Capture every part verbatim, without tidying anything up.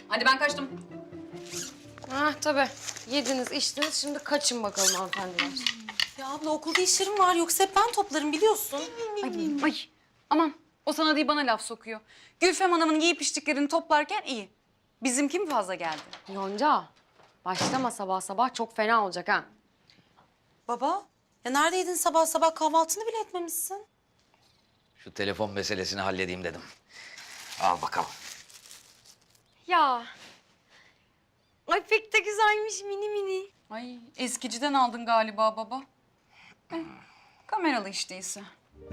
Hadi ben kaçtım. Ha tabii. Yediniz, içtiniz. Şimdi kaçın bakalım hanımefendiler. Ya abla okulda işlerim var yoksa hep ben toplarım biliyorsun. Ay, ay. Aman o sana değil bana laf sokuyor. Gülfem Hanım'ın giyip içtiklerini toplarken iyi. Bizimki mi fazla geldi? Yonca, başlama sabah sabah. Çok fena olacak ha. Baba ya neredeydin sabah sabah kahvaltını bile etmemişsin. Şu telefon meselesini halledeyim dedim. Al bakalım. Ya. Ay pek de güzelmiş mini mini. Ay eskiciden aldın galiba baba. Eh, kameralı iş değilse.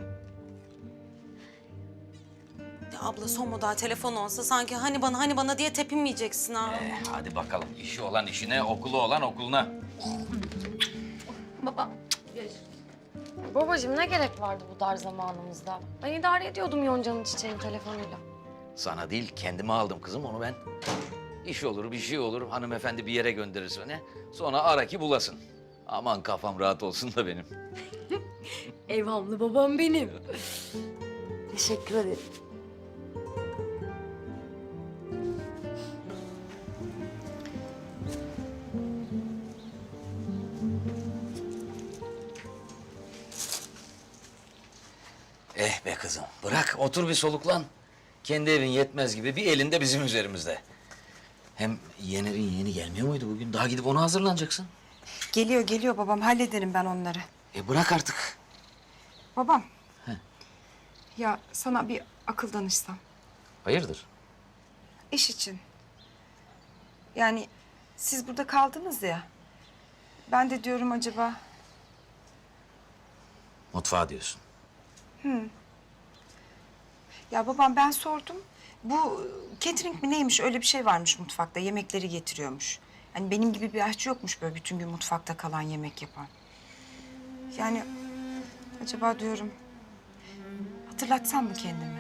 Ya abla son model telefon olsa sanki hani bana hani bana diye tepinmeyeceksin ha. Ee, hadi bakalım. İşi olan işine, okulu olan okuluna. Baba. Babacığım ne gerek vardı bu dar zamanımızda? Ben idare ediyordum Yonca'nın çiçeğin telefonuyla. Sana değil, kendime aldım kızım onu ben. İş olur, bir şey olur. Hanımefendi bir yere gönderir seni. Sonra ara ki bulasın. Aman kafam rahat olsun da benim. Evhamlı babam benim. Teşekkür ederim. Eh be kızım, bırak otur bir soluklan. Kendi evin yetmez gibi bir elinde bizim üzerimizde. Hem Yener'in yeğeni gelmiyor muydu bugün? Daha gidip ona hazırlanacaksın. Geliyor geliyor babam, hallederim ben onları. E bırak artık. Babam. Ya sana bir akıl danışsam. Hayırdır? İş için. Yani siz burada kaldınız ya. Ben de diyorum acaba... Mutfağa diyorsun. Ya babam ben sordum. Bu catering mi neymiş, öyle bir şey varmış mutfakta. Yemekleri getiriyormuş. Yani benim gibi bir aşçı yokmuş böyle bütün gün mutfakta kalan yemek yapan. Yani acaba diyorum hatırlatsam mı kendimi?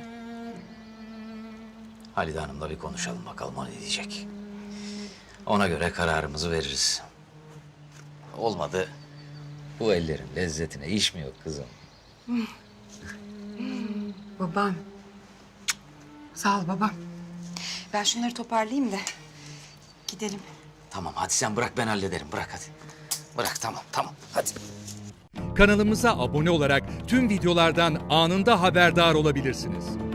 Halide Hanım'la bir konuşalım bakalım o ne diyecek. Ona göre kararımızı veririz. Olmadı bu ellerin lezzetine iş mi yok kızım? Babam. Cık, sağ ol babam. Ben şunları toparlayayım da gidelim. Tamam hadi sen bırak ben hallederim bırak hadi. Bırak tamam tamam hadi. Kanalımıza abone olarak tüm videolardan anında haberdar olabilirsiniz.